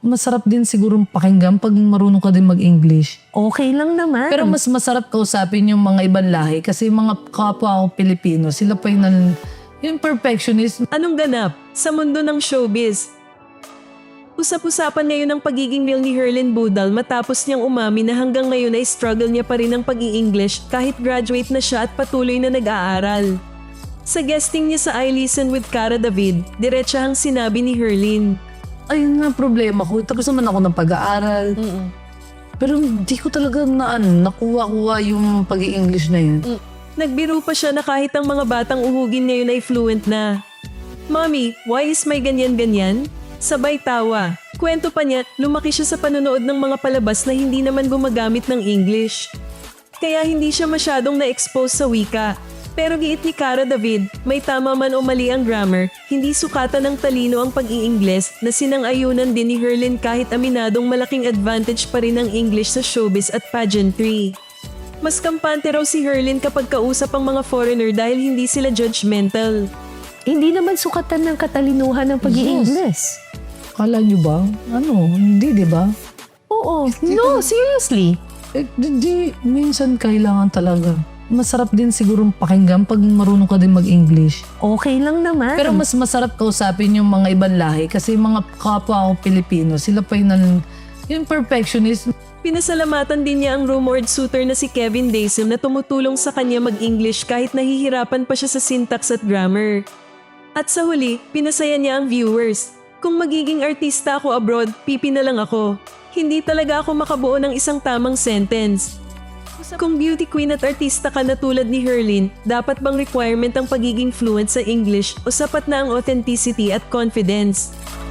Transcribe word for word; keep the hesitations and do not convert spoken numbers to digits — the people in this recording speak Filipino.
masarap din siguro pakinggan pag marunong ka din mag-English. Okay lang naman. Pero mas masarap kausapin yung mga ibang lahi kasi mga kapwa ko Pilipino, sila pa yung, nan- yung perfectionist. Anong ganap sa mundo ng showbiz? Usap-usapan ngayon ang pagiging real ni Herlin Budal matapos niyang umami na hanggang ngayon ay struggle niya pa rin ang pag-i-English kahit graduate na siya at patuloy na nag-aaral. Sa guesting niya sa I Listen with Cara David, diretsahang sinabi ni Herlin. Ayun nga problema ko. Tapos naman ako ng pag-aaral. Mm-mm. Pero hindi ko talaga na, ano, nakuha-kuha yung pag-i-English na yun. Mm. Nagbiro pa siya na kahit ang mga batang uhugin ngayon ay fluent na. Mommy, why is may ganyan-ganyan? Sabay tawa. Kwento pa niya, lumaki siya sa panonood ng mga palabas na hindi naman gumagamit ng English. Kaya hindi siya masyadong na-expose sa wika. Pero giit ni Cara David, may tama man o mali ang grammar, hindi sukatan ng talino ang pag-i-Ingles na sinang-ayunan din ni Herlin kahit aminadong malaking advantage pa rin ang English sa showbiz at pageantry. Mas kampante raw si Herlin kapag kausap ang mga foreigner dahil hindi sila judgmental. Hindi naman sukatan ng katalinuhan ng pag-i-Ingles. Kala nyo ba? Ano? Hindi, di ba? Oo. No, seriously. Eh, di, di, minsan kailangan talaga. Masarap din siguro pakinggan pag marunong ka din mag-English. Okay lang naman. Pero mas masarap kausapin yung mga ibang lahi kasi mga kapwa ko Pilipino, sila pa yung, nan- yung perfectionist. Pinasalamatan din niya ang rumored suitor na si Kevin Daisem na tumutulong sa kanya mag-English kahit nahihirapan pa siya sa syntax at grammar. At sa huli, pinasaya niya ang viewers. Kung magiging artista ako abroad, pipi na lang ako. Hindi talaga ako makabuo ng isang tamang sentence. Kung beauty queen at artista ka na tulad ni Herlin, dapat bang requirement ang pagiging fluent sa English o sapat na ang authenticity at confidence?